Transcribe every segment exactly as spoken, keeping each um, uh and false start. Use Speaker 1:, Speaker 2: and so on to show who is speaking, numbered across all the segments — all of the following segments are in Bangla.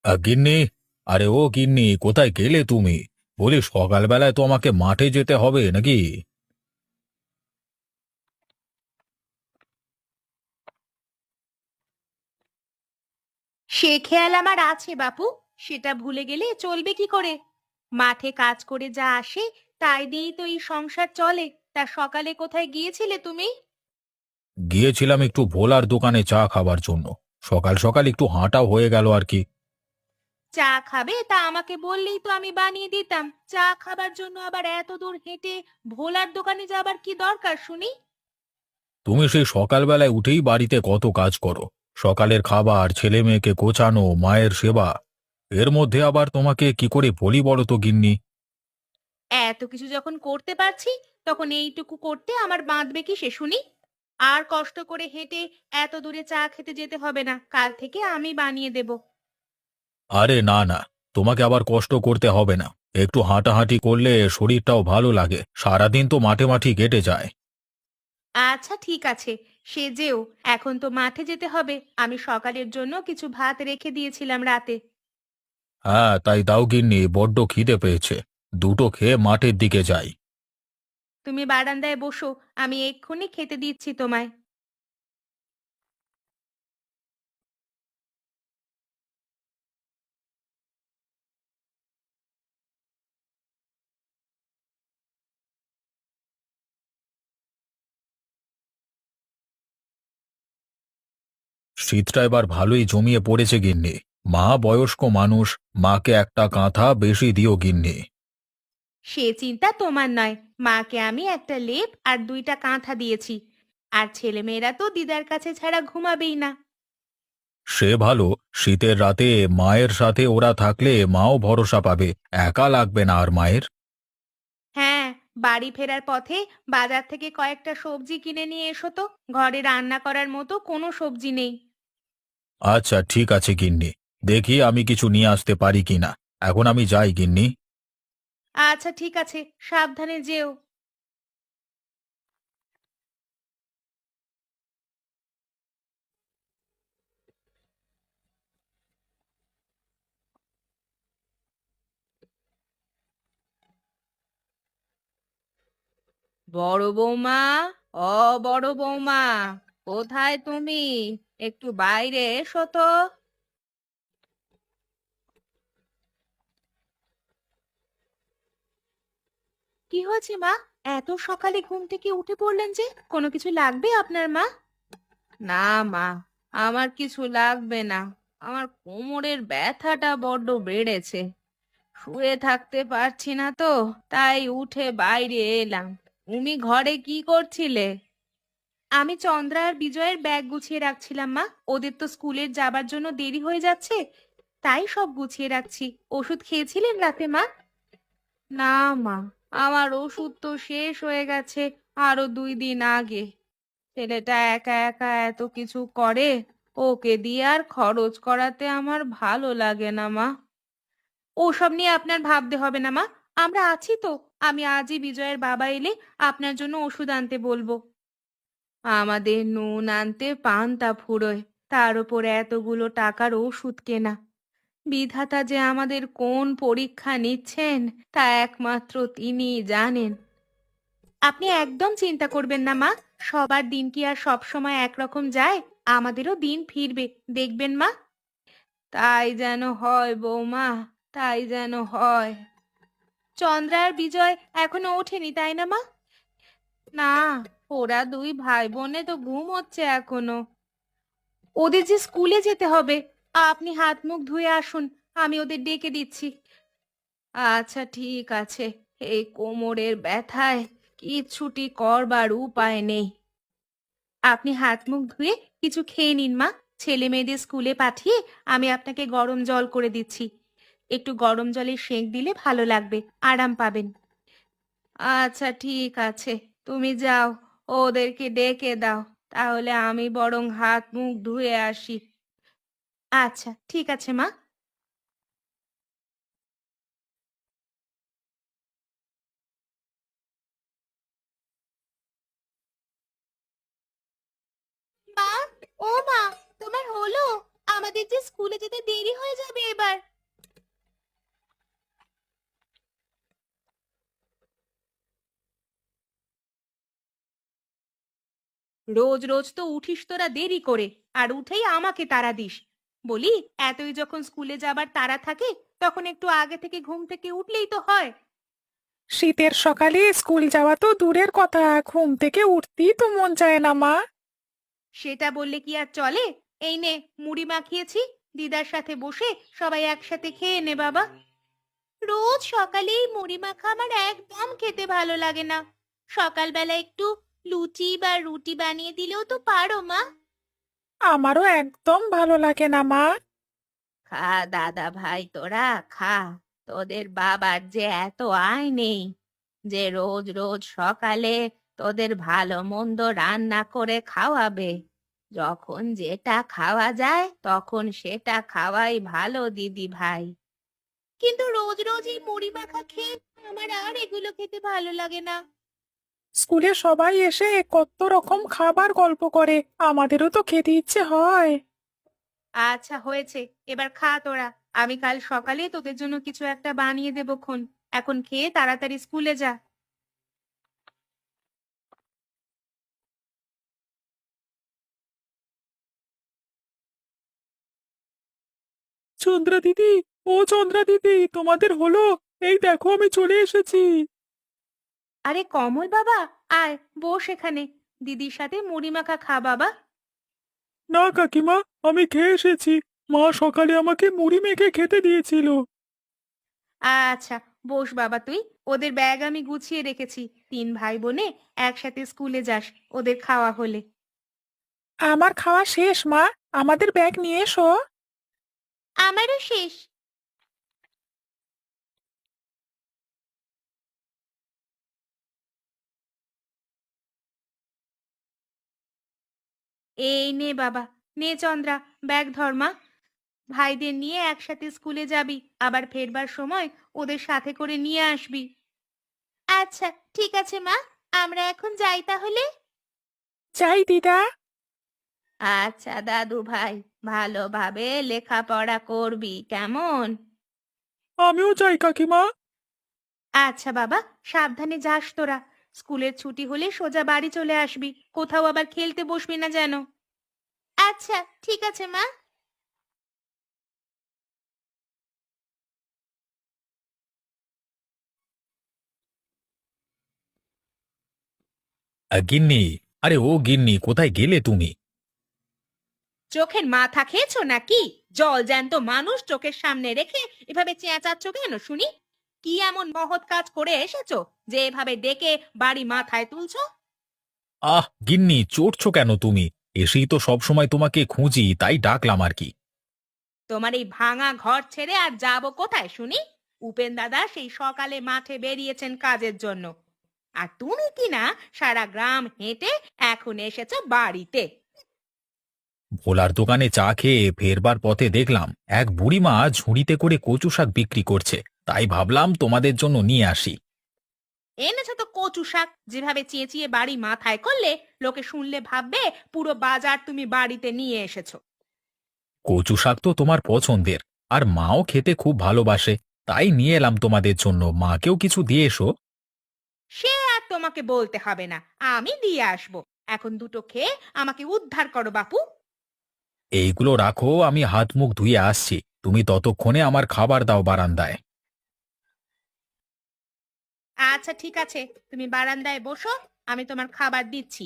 Speaker 1: আ, গিন্নি। আরে ও গিন্নি, কোথায় গেলে তুমি? বলি সকালবেলায় তো আমাকে মাঠে যেতে হবে নাকি?
Speaker 2: সে খেয়াল আমার আছে বাপু। সেটা ভুলে গেলে চলবে কি করে? মাঠে কাজ করে যা আসে তাই দিয়েই তো এই সংসার চলে। তা সকালে কোথায় গিয়েছিলে তুমি?
Speaker 1: গিয়েছিলাম একটু ভোলার দোকানে চা খাবার জন্য। সকাল সকাল একটু হাঁটাও হয়ে গেল আর কি।
Speaker 2: চা খাবে তা আমাকে বললেই তো আমি বানিয়ে দিতাম। চা খাবার জন্য আবার এত দূর হেঁটে ভোলার দোকানে যাবার কি দরকার শুনি?
Speaker 1: তুমি সেই সকালবেলায় উঠেই বাড়িতে কত কাজ করো। সকালের খাবার, ছেলে মেয়েকে গোছানো, মায়ের সেবা। এর মধ্যে আবার তোমাকে কি করে বলি বলো তো গিন্নি?
Speaker 2: এত কিছু যখন করতে পারছি, তখন এইটুকু করতে আমার বাঁধবে কি সে শুনি? আর কষ্ট করে হেঁটে এত দূরে চা খেতে যেতে হবে না, কাল থেকে আমি বানিয়ে দেব।
Speaker 1: আরে না না, তোমাকে আবার কষ্ট করতে হবে না। একটু হাঁটাহাঁটি করলে শরীরটাও ভালো লাগে, সারাদিন তো মাঠে মাঠি কেটে যায়।
Speaker 2: আচ্ছা ঠিক আছে, সে যেও। এখন তো মাঠে যেতে হবে। আমি সকালের জন্য কিছু ভাত রেখে দিয়েছিলাম রাতে।
Speaker 1: হ্যাঁ, তাই দাও গিন্নি, বড্ড খিদে পেয়েছে। দুটো খেয়ে মাঠের দিকে যাই।
Speaker 2: তুমি বারান্দায় বসো, আমি এক্ষুনি খেতে দিচ্ছি তোমায়।
Speaker 1: শীতটা এবার ভালোই জমিয়ে পড়েছে গিন্নি। মা বয়স্ক মানুষ, মাকে একটা কাঁথা বেশি দিও গিন্নি।
Speaker 2: সে চিন্তা তোমার নয়। মাকে আমি একটা লেপ আর দুইটা কাঁথা দিয়েছি। আর ছেলেমেয়েরা তো দিদার কাছে ছাড়া ঘুমাবেই না।
Speaker 1: সে ভালো। শীতের রাতে মায়ের সাথে ওরা থাকলে মাও ভরসা পাবে। একা লাগবে না আর মায়ের।
Speaker 2: হ্যাঁ, বাড়ি ফেরার পথে বাজার থেকে কয়েকটা সবজি কিনে নিয়ে এসো তো। ঘরে রান্না করার মতো কোনো সবজি নেই।
Speaker 1: আচ্ছা ঠিক আছে গিন্নি, দেখি আমি কিছু নিয়ে আসতে পারি কিনা। এখন আমি যাই গিন্নি।
Speaker 2: আচ্ছা ঠিক আছে, সাবধানে যেও। বড় বৌমা, ও বড় বৌমা, কোথায় তুমি? একটু বাইরে এসো তো। কি হয়েছে মা? এত সকালে ঘুম থেকে উঠে পড়লেন যে? কোনো কিছু লাগবে আপনার মা? না মা, আমার কিছু লাগবে না। আমার কোমরের ব্যথাটা বড্ড বেড়েছে। শুয়ে থাকতে পারছি না তো, তাই উঠে বাইরে এলাম। তুমি ঘরে কি করছিলে? আমি চন্দ্রা আর বিজয়ের ব্যাগ গুছিয়ে রাখছিলাম মা। ওদের তো স্কুলের যাবার জন্য দেরি হয়ে যাচ্ছে, তাই সব গুছিয়ে রাখছি। ওষুধ খেয়েছিলেন রাতে মা? না মা, আমার ওষুধ তো শেষ হয়ে গেছে আরো দুই দিন আগে। ছেলেটা একা একা এত কিছু করে, ওকে দিয়ে আর খরচ করাতে আমার ভালো লাগে না মা। ওসব নিয়ে আপনার ভাবতে হবে না মা। আমরা আছি তো। আমি আজই বিজয়ের বাবা এলে আপনার জন্য ওষুধ আনতে বলবো। আমাদের নুন আনতে পান্তা ফুরোয়, তার উপর এতগুলো টাকার ওষুধ কেনা। বিধাতা যে আমাদের কোন পরীক্ষা নিচ্ছেন তা একমাত্র তিনিই জানেন। আপনি একদম চিন্তা করবেন না মা। সবার দিন কি আর সব সময় একরকম যায়? আমাদেরও দিন ফিরবে, দেখবেন মা। তাই যেন হয় বৌমা, তাই যেন হয়। চন্দ্রা আর বিজয় এখনো ওঠেনি তাই না মা? না, ওরা দুই ভাই বোনে তো ঘুমোচ্ছে এখনো। ওদের যে স্কুলে যেতে হবে। আপনি হাত মুখ ধুয়ে আসুন, আমি ওদের ডেকে দিচ্ছি। আচ্ছা ঠিক আছে। এই কোমরের ব্যথায় কিচ্ছুটি করবার উপায় নেই। আপনি হাত মুখ ধুয়ে কিছু খেয়ে নিন মা। ছেলে মেয়েদের স্কুলে পাঠিয়ে আমি আপনাকে গরম জল করে দিচ্ছি। একটু গরম জলের সেঁক দিলে ভালো লাগবে, আরাম পাবেন। আচ্ছা ঠিক আছে, তুমি যাও, ওদেরকে ডেকে দাও। তাহলে আমি বরং হাত মুখ ধুয়ে আসি। আচ্ছা ঠিক আছে মা। মা, ও মা, তোমার হলো? আমাদের যে স্কুলে যেতে দেরি হয়ে যাবে এবার। রোজ রোজ তো উঠিস তোরা দেরি করে, আর উঠেই আমাকে তাড়া দিস। বলি, এতই যখন স্কুলে যাবার তাড়া থাকে, তখন একটু আগে থেকে ঘুম থেকে উঠলেই তো হয়।
Speaker 3: শীতের সকালে স্কুল যাওয়া তো দূরের কথা, ঘুম থেকে উঠতেই তো মন চায় না মা।
Speaker 2: সেটা বললে কি আর চলে? এই নে, মুড়ি মাখিয়েছি, দিদার সাথে বসে সবাই একসাথে খেয়ে নে বাবা। রোজ সকালে এই মুড়ি মাখা আমার একদম খেতে ভালো লাগে না। সকালবেলা একটু লুচি বা রুটি বানিয়ে দিলেও তো পারো মা।
Speaker 3: আমারও একদম ভালো লাগে না মা।
Speaker 2: খা দাদা ভাই, তোরা খা। তোদের বাবার যে এত আয় নেই যে রোজ রোজ সকালে তোদের ভালো মন্দ রান্না করে খাওয়াবে। যখন যেটা খাওয়া যায় তখন সেটা খাওয়াই ভালো দিদি ভাই। কিন্তু রোজ রোজ এই মুড়ি মাখা খেয়ে আমার আর এগুলো খেতে ভালো লাগে না।
Speaker 3: স্কুলে সবাই এসে কত রকম খাবার গল্প করে, আমাদেরও তো খেতে ইচ্ছে হয়।
Speaker 2: আচ্ছা হয়েছে, এবার খা তোরা। আমি কাল সকালে তোদের জন্য কিছু একটা বানিয়ে দেবো খন। এখন খেয়ে তাড়াতাড়ি স্কুলে যা।
Speaker 3: চন্দ্রা দিদি, ও চন্দ্রা দিদি, তোমাদের হলো? এই দেখো আমি চলে এসেছি।
Speaker 2: আরে কমল বাবা, আয় বস এখানে। দিদির সাথে মুড়ি মাখা খা বাবা।
Speaker 3: না কাকিমা, আমি খেয়ে এসেছি। মা সকালে আমাকে মুড়ি মেখে খেতে দিয়েছিল।
Speaker 2: আচ্ছা, বস বাবা তুই। ওদের ব্যাগ আমি গুছিয়ে রেখেছি। তিন ভাই বোনে একসাথে স্কুলে যাস, ওদের খাওয়া হলে।
Speaker 3: আমার খাওয়া শেষ মা, আমাদের ব্যাগ নিয়ে এসো।
Speaker 2: আমারও শেষ। এই নে বাবা, নে চন্দ্রা, ব্যাগ ধর মা। ভাইদের নিয়ে একসাথে স্কুলে যাবি, আবার ফেরবার সময় ওদের সাথে করে নিয়ে আসবি। আচ্ছা ঠিক আছে মা, আমরা এখন যাই তাহলে।
Speaker 3: যাই দিদা।
Speaker 2: আচ্ছা দাদু ভাই, ভালোভাবে লেখাপড়া করবি কেমন?
Speaker 3: আমিও যাই কাকিমা।
Speaker 2: আচ্ছা বাবা, সাবধানে যাস তোরা। স্কুলের ছুটি হলে সোজা বাড়ি চলে আসবি, কোথাও আবার খেলতে বসবি না যেন। আচ্ছা ঠিক আছে মা।
Speaker 1: আ, গিন্নি, আরে ও গিন্নি, কোথায় গেলে তুমি?
Speaker 2: চোখের মাথা খেয়েছো নাকি? জল জ্যান্ত মানুষ চোখের সামনে রেখে এভাবে চেঁচাচ্ছ কেন শুনি? কি এমন মহৎ কাজ করে এসেছো যে এভাবে ডেকে বাড়ি মাথায় তুলছো?
Speaker 1: আহ গিন্নি, চড়ছো কেন তুমি? এসেই তো সব সময় তোমাকে খুঁজি, তাই ডাকলাম আর কি।
Speaker 2: তোমার এই ভাঙা ঘর ছেড়ে আর যাবো কোথায় শুনি? উপেন দাদা সেই সকালে মাঠে বেরিয়েছেন কাজের জন্য, আর তুমি কি না সারা গ্রাম হেঁটে এখন এসেছো বাড়িতে।
Speaker 1: ভোলার দোকানে চা খেয়ে ফেরবার পথে দেখলাম এক বুড়িমা ঝুড়িতে করে কচু শাক বিক্রি করছে, তাই ভাবলাম তোমাদের জন্য নিয়ে আসি।
Speaker 2: এনেছো তো কচু শাক, যেভাবে চেঁচিয়ে বাড়ি মাথায় করলে লোকে শুনলে ভাববে পুরো বাজার তুমি বাড়িতে নিয়ে এসেছো।
Speaker 1: কচু শাক তো তোমার পছন্দের, আর মাও খেতে খুব ভালোবাসে, তাই নিয়ে এলাম তোমাদের জন্য। মাকেও কিছু দিয়ে এসো।
Speaker 2: সে আর তোমাকে বলতে হবে না, আমি দিয়ে আসবো। এখন দুটো খেয়ে আমাকে উদ্ধার করো বাপু।
Speaker 1: এইগুলো রাখো, আমি হাত মুখ ধুয়ে আসছি। তুমি ততক্ষণে আমার খাবার দাও বারান্দায়।
Speaker 2: আচ্ছা ঠিক আছে, তুমি বারান্দায় বসো, আমি তোমার খাবার দিচ্ছি।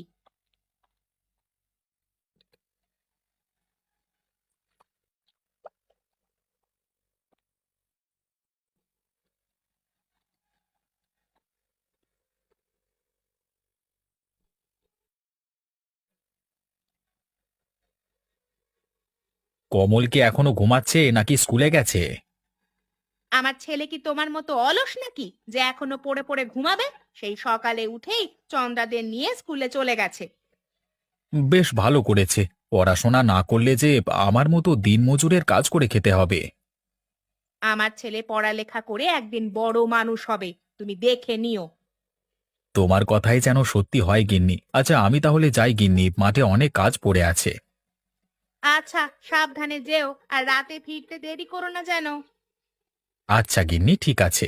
Speaker 1: কমল কি এখনো ঘুমাচ্ছে নাকি স্কুলে গেছে?
Speaker 2: আমার ছেলে কি তোমার মতো অলস নাকি যে এখনো পড়ে পড়ে ঘুমাবে? সেই সকালে উঠেই চন্দ্রাদের নিয়ে স্কুলে চলে গেছে।
Speaker 1: বেশ ভালো করেছে। পড়াশোনা না করলে যে আমার মতো দিনমজুরের কাজ করে খেতে হবে।
Speaker 2: আমার ছেলে পড়ালেখা করে একদিন বড় মানুষ হবে, তুমি দেখে নিও।
Speaker 1: তোমার কথাই যেন সত্যি হয় গিন্নি। আচ্ছা আমি তাহলে যাই গিন্নি, মাঠে অনেক কাজ পড়ে আছে।
Speaker 2: আচ্ছা সাবধানে যেও, আর রাতে ফিরতে দেরি করো না যেন।
Speaker 1: আচ্ছা গিন্নি, ঠিক আছে।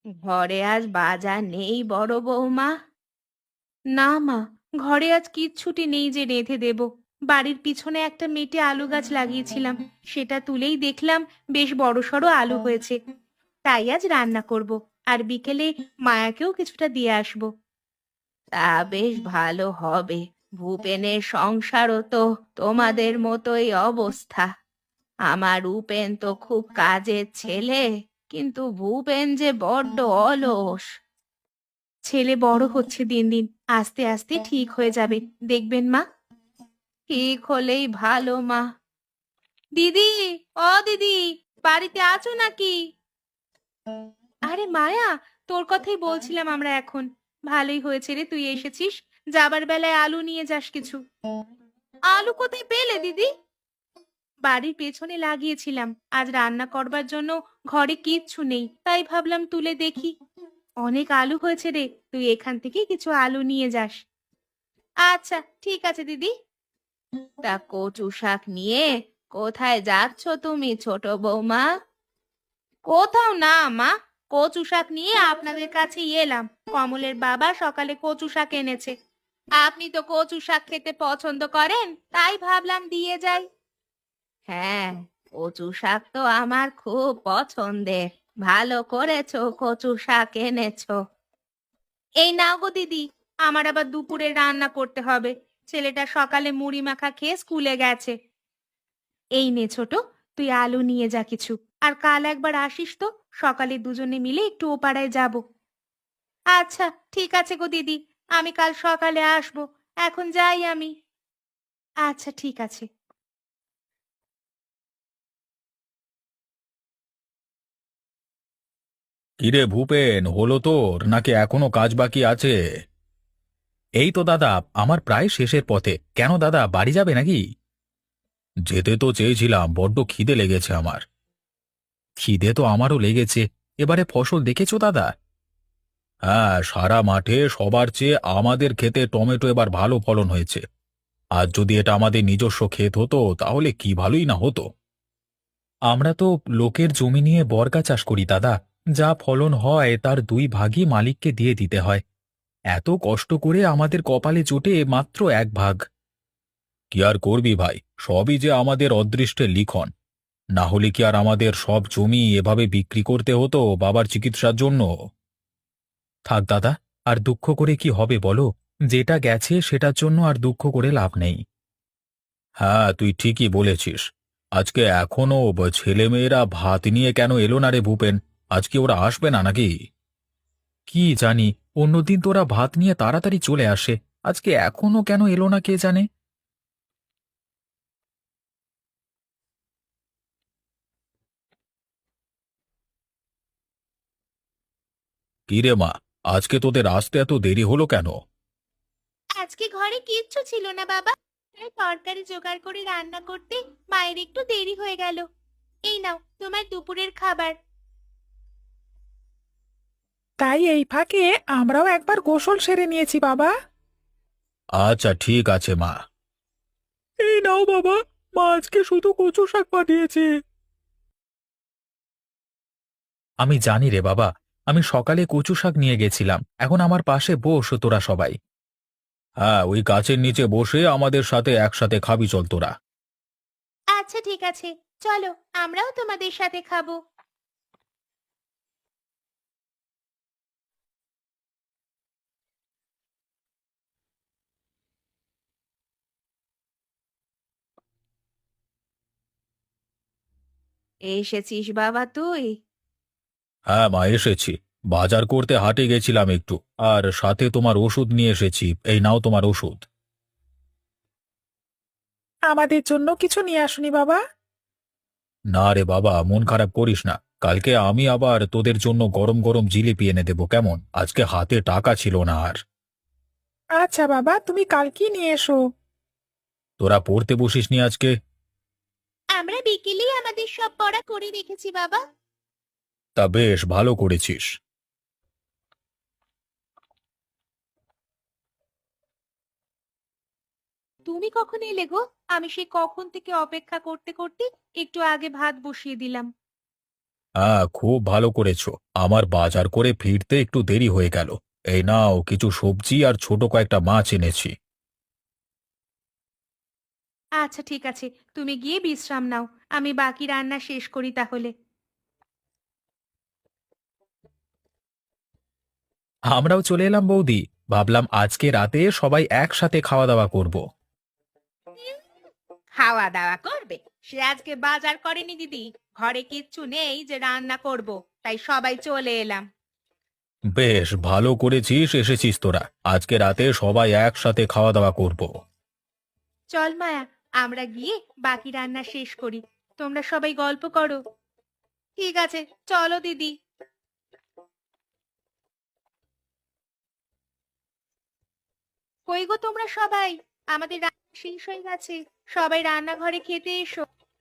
Speaker 2: ঘরে আজ বাজার নেই বড় বৌমা? না মা, ঘরে আজ কিচ্ছুটি নেই যে রেঁধে দেব। বাড়ির পিছনে একটা মেটে আলু গাছ লাগিয়েছিলাম, সেটা তুলেই দেখলাম বেশ বড়সড় আলু হয়েছে। তাই আজ রান্না করব, আর বিকেলে মায়াকেও কিছুটা দিয়ে আসবো। তা বেশ ভালো হবে। ভূপেনের সংসারও তো তোমাদের মতোই অবস্থা। আমার উপেন তো খুব কাজের ছেলে, কিন্তু ভূপেন যে বড্ড অলস। ছেলে বড় হচ্ছে দিন দিন, আস্তে আস্তে ঠিক হয়ে যাবে, দেখবেন মা। ঠিক হলেই ভালো মা। দিদি, ও দিদি, বাড়িতে আছো নাকি? আরে মায়া, তোর কথাই বলছিলাম আমরা এখন। ভালোই হয়েছে রে তুই এসেছিস। যাবার বেলায় আলু নিয়ে যাস কিছু। আলু কোথায় পেলে দিদি? বাড়ির পেছনে লাগিয়েছিলাম, আজ রান্না করবার জন্য ঘরে কিচ্ছু নেই, তাই ভাবলাম তুলে দেখি। অনেক আলু হয়েছে রে, তুই এখান থেকে কিছু আলু নিয়ে যাস। আচ্ছা ঠিক আছে দিদি। তা কচু শাক নিয়ে কোথায় যাচ্ছ তুমি ছোট বৌমা? কোথাও না মা, কচু শাক নিয়ে আপনাদের কাছেই এলাম। কমলের বাবা সকালে কচু শাক এনেছে। আপনি তো কচু শাক খেতে পছন্দ করেন, তাই ভাবলাম দিয়ে যাই। হ্যাঁ, কচু শাক তো আমার খুব পছন্দের। ভালো করেছো কচু শাক এনেছো। এই নাও গো দিদি, আমার আবার দুপুরে রান্না করতে হবে। ছেলেটা সকালে মুড়ি মাখা খেয়ে স্কুলে গেছে। এই নে ছোট, তুই আলু নিয়ে যা কিছু। আর কাল একবার আসিস তো, সকালে দুজনে মিলে একটু ও পাড়ায় যাব। আচ্ছা ঠিক আছে গো দিদি, আমি কাল সকালে আসবো। এখন যাই আমি। আচ্ছা ঠিক আছে।
Speaker 1: কিরে ভূপেন, হলো তোর নাকি এখনো কাজ বাকি আছে? এই তো দাদা, আমার প্রায় শেষের পথে। কেন দাদা, বাড়ি যাবে নাকি? যেতে তো চেয়েছিলাম, বড্ড খিদে লেগেছে আমার। খিদে তো আমারও লেগেছে। এবারে ফসল দেখেছো দাদা? হ্যাঁ, সারা মাঠে সবার চেয়ে আমাদের ক্ষেতে টমেটো এবার ভালো ফলন হয়েছে। আর যদি এটা আমাদের নিজস্ব ক্ষেত হতো তাহলে কি ভালোই না হতো। আমরা তো লোকের জমি নিয়ে বর্গা চাষ করি দাদা। যা ফলন হয় তার দুই ভাগই মালিককে দিয়ে দিতে হয়। এত কষ্ট করে আমাদের কপালে জোটে মাত্র এক ভাগ। কি আর করবি ভাই, সবই যে আমাদের অদৃষ্টের লিখন। না হলে কি আর আমাদের সব জমি এভাবে বিক্রি করতে হতো বাবার চিকিৎসার জন্য? থাক দাদা, আর দুঃখ করে কি হবে বলো? যেটা গেছে সেটার জন্য আর দুঃখ করে লাভ নেই। হ্যাঁ, তুই ঠিকই বলেছিস। আজকে এখনো ব- ছেলেমেয়েরা ভাত নিয়ে কেন এলো না রে ভূপেন? আজকে ওরা আসবে না নাকি? কি জানি, অন্যদিন তোরা ভাত নিয়ে তাড়াতাড়ি চলে আসে। আজকে এখনো কেন এলো না কে জানে। কি রে মা, আজকে তোদের আসতে এত দেরি হলো কেন?
Speaker 2: আজকে ঘরে কিচ্ছু ছিল না বাবা, তাই তরকারি জোগাড় করে রান্না করতে মায়ের একটু দেরি হয়ে গেল। এই নাও তোমার দুপুরের খাবার।
Speaker 3: তাই এই ফাঁকে আমরাও একবার গোসল সেরে নিয়েছি বাবা।
Speaker 1: আচ্ছা ঠিক আছে মা।
Speaker 3: এই নাও বাবা, মা আজকে শুধু কচু শাক পাঠিয়েছে।
Speaker 1: আমি জানি রে বাবা, আমি সকালে কচু শাক নিয়ে গেছিলাম। এখন আমার পাশে বস তোরা সবাই। হ্যাঁ, ওই গাছের নিচে বসে আমাদের সাথে একসাথে খাবি চল তোরা।
Speaker 2: আচ্ছা ঠিক আছে, চলো আমরাও তোমাদের সাথে খাবো। এসেছিস বাবা তুই?
Speaker 1: হ্যাঁ মা, এসেছি। বাজার করতে হাটে গেছিলাম একটু, আর সাথে তোমার ওষুধ নিয়ে এসেছি। এই নাও তোমার ওষুধ।
Speaker 3: আমাদের জন্য কিছু নিয়ে আসুনি বাবা?
Speaker 1: না রে বাবা, মন খারাপ করিস না। কালকে আমি আবার তোদের জন্য গরম গরম জিলিপি এনে দেবো, কেমন? আজকে হাতে টাকা ছিল না আর।
Speaker 3: আচ্ছা বাবা, তুমি কালকেই নিয়ে এসো।
Speaker 1: তোরা পড়তে বসিসনি আজকে?
Speaker 2: আমরা বিকেলেই আমাদের সব পড়া করে রেখেছি বাবা।
Speaker 1: তা বেশ ভালো করেছিস।
Speaker 2: তুমি কখন এলে গো? আমি সেই কখন থেকে অপেক্ষা করতে করতে একটু আগে ভাত বসিয়ে দিলাম।
Speaker 1: হ্যাঁ, খুব ভালো করেছো। আমার বাজার করে ফিরতে একটু দেরি হয়ে গেল। এই নাও কিছু সবজি আর ছোট কয়েকটা মাছ এনেছি।
Speaker 2: আচ্ছা ঠিক আছে, তুমি গিয়ে বিশ্রাম নাও, আমি বাকি রান্না শেষ করি তাহলে।
Speaker 1: আমরাও চলে এলাম বৌদি। ভাবলাম আজকে রাতে সবাই একসাথে খাওয়া দাওয়া করব।
Speaker 2: খাওয়া দাওয়া করবে? সে আজকে বাজার করেনি দিদি, ঘরে কিচ্ছু নেই যে রান্না করব, তাই সবাই চলে এলাম।
Speaker 1: বেশ ভালো করেছিস, এসেছিস তোরা। আজকে রাতে সবাই একসাথে খাওয়া দাওয়া করব।
Speaker 2: চল মায়া, আমরা গিয়ে বাকি রান্না শেষ করি, তোমরা সবাই গল্প করো। ঠিক আছে, চলো দিদি। কই গো তোমরা সবাই, আমাদের রান্না শেষ হয়ে গেছে, সবাই রান্নাঘরে খেতে এসো।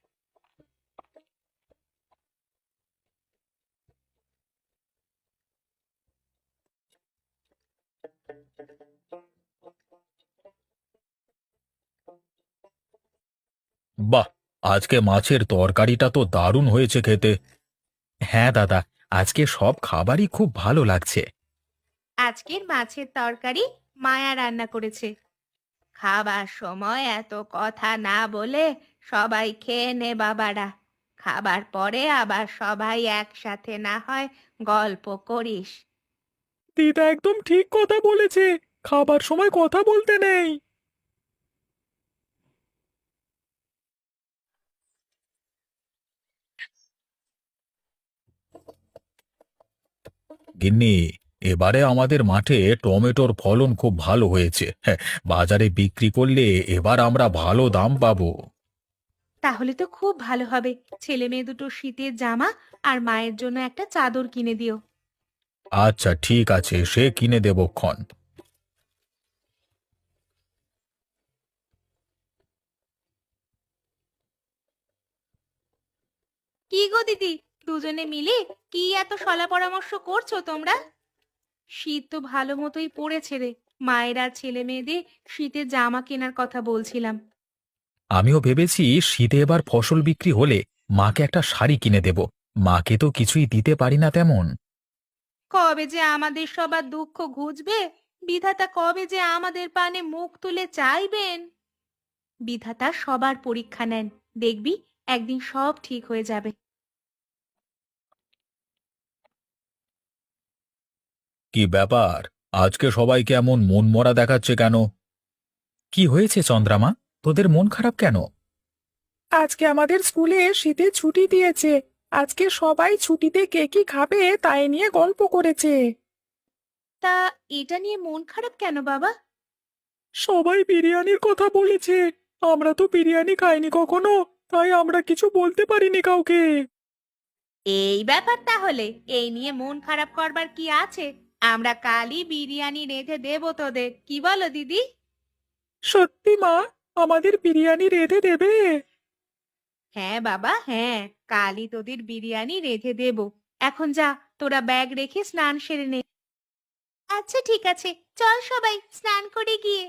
Speaker 1: বাহ, আজকে মাছের তরকারিটা তো দারুণ হয়েছে খেতে। হ্যাঁ দাদা, আজকে সব খাবারই খুব ভালো লাগছে।
Speaker 2: আজকের মাছের তরকারি মায়া রান্না করেছে। খাবার সময় এত কথা না বলে সবাই খেয়ে নে বাবারা, খাবার পরে আবার সবাই একসাথে না হয় গল্প করিস।
Speaker 3: দিদা একদম ঠিক কথা বলেছে, খাবার সময় কথা বলতে নেই।
Speaker 1: গিন্নি, এবারে আমাদের মাঠে টমেটোর ফলন খুব ভালো হয়েছে। হ্যাঁ, বাজারে বিক্রি করলে এবার আমরা ভালো দাম পাবো।
Speaker 2: তাহলে তো খুব ভালো হবে, ছেলে মেয়ে দুটো শীতের জামা আর মায়ের জন্য একটা চাদর কিনে দিও।
Speaker 1: আচ্ছা ঠিক আছে, সে কিনে দেবক্ষণ।
Speaker 2: কি গো দিদি, দুজনে মিলে কি এত শলা পরামর্শ করছো তোমরা? শীত তো ভালো মতোই পড়েছে রে, মায়ের আর ছেলে মেয়েদের শীতের জামা কেনার কথা বলছিলাম।
Speaker 1: আমিও ভেবেছি শীতে এবার ফসল বিক্রি হলে মাকে একটা শাড়ি কিনে দেব। মাকে তো কিছুই দিতে পারি না তেমন।
Speaker 2: কবে যে আমাদের সবার দুঃখ ঘুচবে, বিধাতা কবে যে আমাদের পানে মুখ তুলে চাইবেন। বিধাতা সবার পরীক্ষা নেন, দেখবি একদিন সব ঠিক হয়ে যাবে।
Speaker 1: কি ব্যাপার, আজকে সবাইকে এমন মনমরা দেখাচ্ছে কেন? কি হয়েছে চন্দ্রামা, তোদের মন খারাপ কেন?
Speaker 3: আজকে আমাদের স্কুলে শীতের ছুটি দিয়েছে। আজকে সবাই ছুটিতে কে কি খাবে তাই নিয়ে গল্প করেছে।
Speaker 2: তা এটা নিয়ে মন খারাপ কেন বাবা?
Speaker 3: সবাই বিরিয়ানির কথা বলেছে। আমরা তো বিরিয়ানি খাইনি কখনো, তাই আমরা কিছু বলতে পারিনি কাউকে।
Speaker 2: এই ব্যাপার তাহলে, এই নিয়ে মন খারাপ করবার কি আছে? আমরা কালই বিরিয়ানি রেঁধে দেবো তোদের, কি বলো দিদি?
Speaker 3: সত্যি মা, আমাদের বিরিয়ানি রেঁধে দেবে?
Speaker 2: হ্যাঁ বাবা হ্যাঁ, কালই তোদের বিরিয়ানি রেঁধে দেবো। এখন যা, তোরা ব্যাগ রেখে স্নান সেরে নে। আচ্ছা ঠিক আছে, চল সবাই স্নান করে গিয়ে।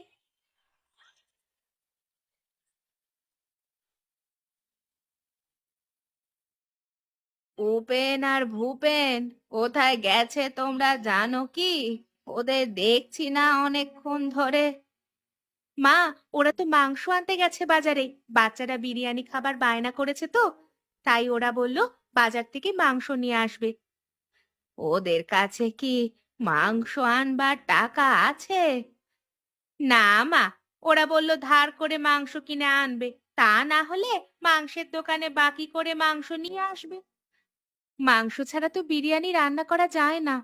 Speaker 2: উপেন আর ভূপেন কোথায় গেছে তোমরা জানো কি? ওদের দেখছি না অনেকক্ষণ ধরে। মা, ওরা তো মাংস আনতে গেছে বাজারে, বাচ্চারা বিরিয়ানি খাবার বায়না করেছে তো, তাই ওরা বলল বাজার থেকে মাংস নিয়ে আসবে। ওদের কাছে কি মাংস আনবার টাকা আছে? না মা, ওরা বলল ধার করে মাংস কিনে আনবে, তা না হলে মাংসের দোকানে বাকি করে মাংস নিয়ে আসবে। মাংস ছাড়া তো বিরিয়ানি রান্না করা যায় না।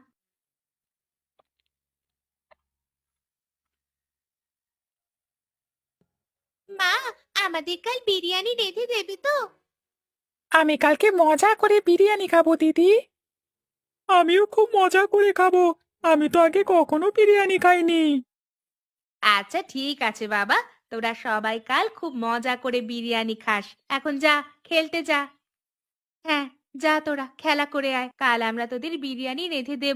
Speaker 2: মা, আমাদের কাল বিরিয়ানি রেঁধে দেবে তো?
Speaker 3: আমি কালকে মজা করে বিরিয়ানি খাবো দিদি। আমিও খুব মজা করে খাবো। আমি তো আগে কখনো বিরিয়ানি খাইনি।
Speaker 2: আচ্ছা ঠিক আছে বাবা, তোরা সবাই কাল খুব মজা করে বিরিয়ানি খাস। এখন যা, খেলতে যা। হ্যাঁ, যা তোরা খেলা করে আয়, কাল আমরা তোদের বিরিয়ানি রেঁধে দেব।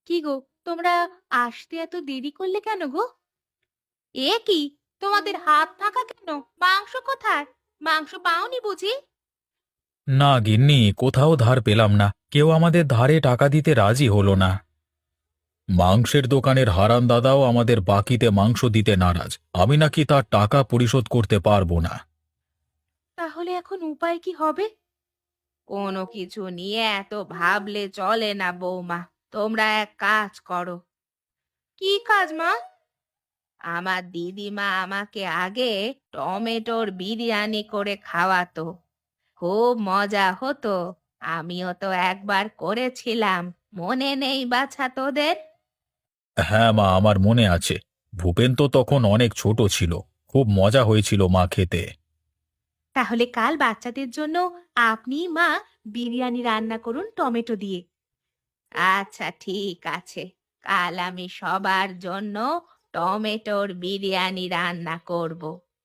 Speaker 2: কি গো, তোমরা আসতে এত দেরি করলে কেন গো? এ কি, তোমাদের হাত ফাঁকা কেন? মাংস কোথায়? মাংস পাওনি বুঝি?
Speaker 1: না গিন্নি, কোথাও ধার পেলাম না, কেউ আমাদের ধারে টাকা দিতে রাজি হলো না। মাংসের দোকানের হারান দাদাও আমাদের বাকিতে মাংস দিতে নারাজ। আমি নাকি তার টাকা পরিশোধ করতে পারবো না।
Speaker 2: তাহলে এখন উপায় কি হবে? কোনো কিছু নিয়ে এত ভাবলে চলে না বৌমা। তোমরা এক কাজ করো। কি কাজ মা? আমার দিদিমা আমাকে আগে টমেটোর বিরিয়ানি করে খাওয়াতো, খুব মজা হতো। আমিও তো একবার করেছিলাম, মনে নেই বাছা তোদের?
Speaker 1: হ্যাঁ মা, আমার মনে আছে। ভূপেন তো তখন অনেক ছোট ছিল। খুব মজা হয়েছিল মা খেতে।
Speaker 2: তাহলে কাল বাচ্চাদের জন্য আপনি মা বিরিয়ানি রান্না করুন টমেটো দিয়ে। আচ্ছা ঠিক আছে, কাল আমি সবার জন্য টমেটোর বিরিয়ানি রান্না করব।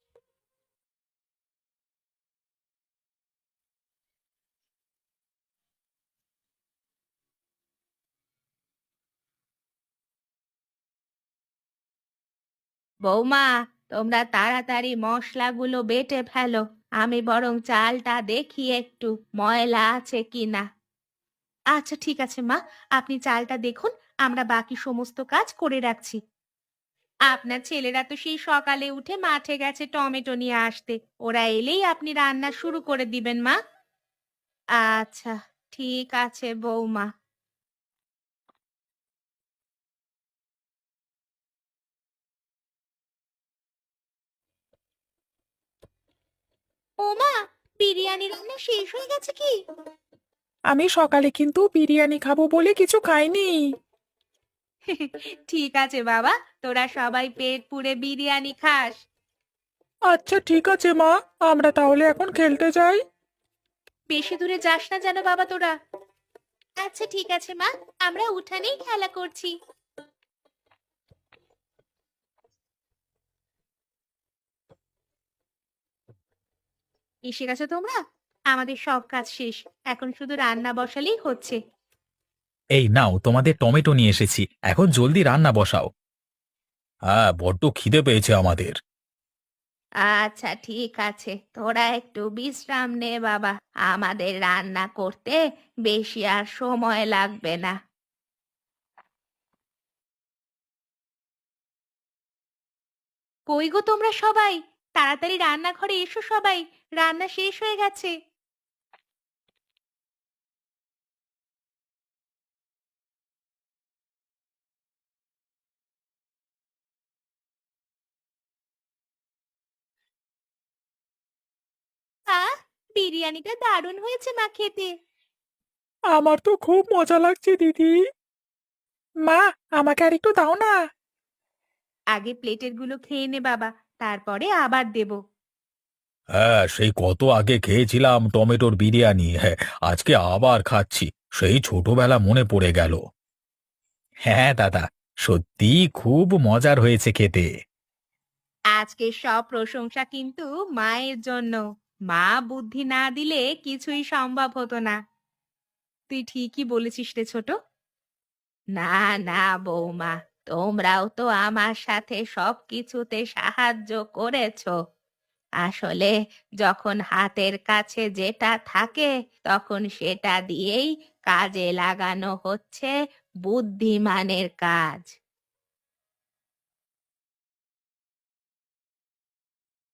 Speaker 2: বৌমা, তোমরা তাড়াতাড়ি মশলাগুলো বেটে ফেলো। আমি বরং চালটা দেখি একটু ময়লা আছে কিনা। আচ্ছা ঠিক আছে মা, আপনি চালটা দেখুন, আমরা বাকি সমস্ত কাজ করে রাখছি। আপনার ছেলেরা তো সেই সকালে উঠে মাঠে গেছে টমেটো নিয়ে আসতে। ওরা এলেই আপনি রান্না শুরু করে দিবেন মা। আচ্ছা ঠিক আছে বৌমা। ও মা, বিরিয়ানি রান্না শেষ হয়ে গেছে কি?
Speaker 3: আমি সকালে কিন্তু বিরিয়ানি খাবো বলে কিছু খাইনি।
Speaker 2: ঠিক আছে বাবা, তোরা সবাই পেট পুড়ে বিরিয়ানি খাস।
Speaker 3: আচ্ছা ঠিক আছে মা, আমরা তাহলে এখন খেলতে যাই।
Speaker 2: বেশি দূরে যাস না যেন বাবা তোরা। আচ্ছা ঠিক আছে মা, আমরা উঠানেই খেলা করছি। এসে গেছো তোমরা? আমাদের সব কাজ শেষ, এখন শুধু রান্না বসালেই হচ্ছে।
Speaker 1: এই নাও, তোমাদের টমেটো নিয়ে এসেছি, এখন জলদি রান্না বসাও। হ্যাঁ, বড্ড খিদে পেয়েছে আমাদের।
Speaker 2: আচ্ছা ঠিক আছে, তোরা একটু বিশ্রাম নে বাবা। আমাদের রান্না করতে বেশি আর সময় লাগবে না। কই গো তোমরা সবাই, তাড়াতাড়ি রান্নাঘরে এসো সবাই, রান্না শেষ হয়ে গেছে। আহ, বিরিয়ানিটা দারুণ হয়েছে মা খেতে।
Speaker 3: আমার তো খুব মজা লাগছে দিদি। মা, আমাকে আর একটু দাও না।
Speaker 2: আগে প্লেটের গুলো খেয়ে নে বাবা, তারপরে আবার দেব।
Speaker 1: হ্যাঁ, সেই কত আগে খেয়েছিলাম টমেটোর বিরিয়ানি। হ্যাঁ, আজকে আবার খাচ্ছি। সেই ছোটবেলা মনে পড়ে গেল। হ্যাঁ দাদা, সত্যি খুব মজার হয়েছে খেতে।
Speaker 2: আজকে সব প্রশংসা কিন্তু মায়ের জন্য। মা বুদ্ধি না দিলে কিছুই সম্ভব হতো না। তুই ঠিকই বলেছিস রে ছোট। না না বৌমা, তোমরাও তো আমার সাথে সবকিছুতে সাহায্য করেছো। আসলে যখন হাতের কাছে যেটা থাকে তখন সেটা দিয়েই কাজে লাগানো হচ্ছে বুদ্ধিমানের কাজ।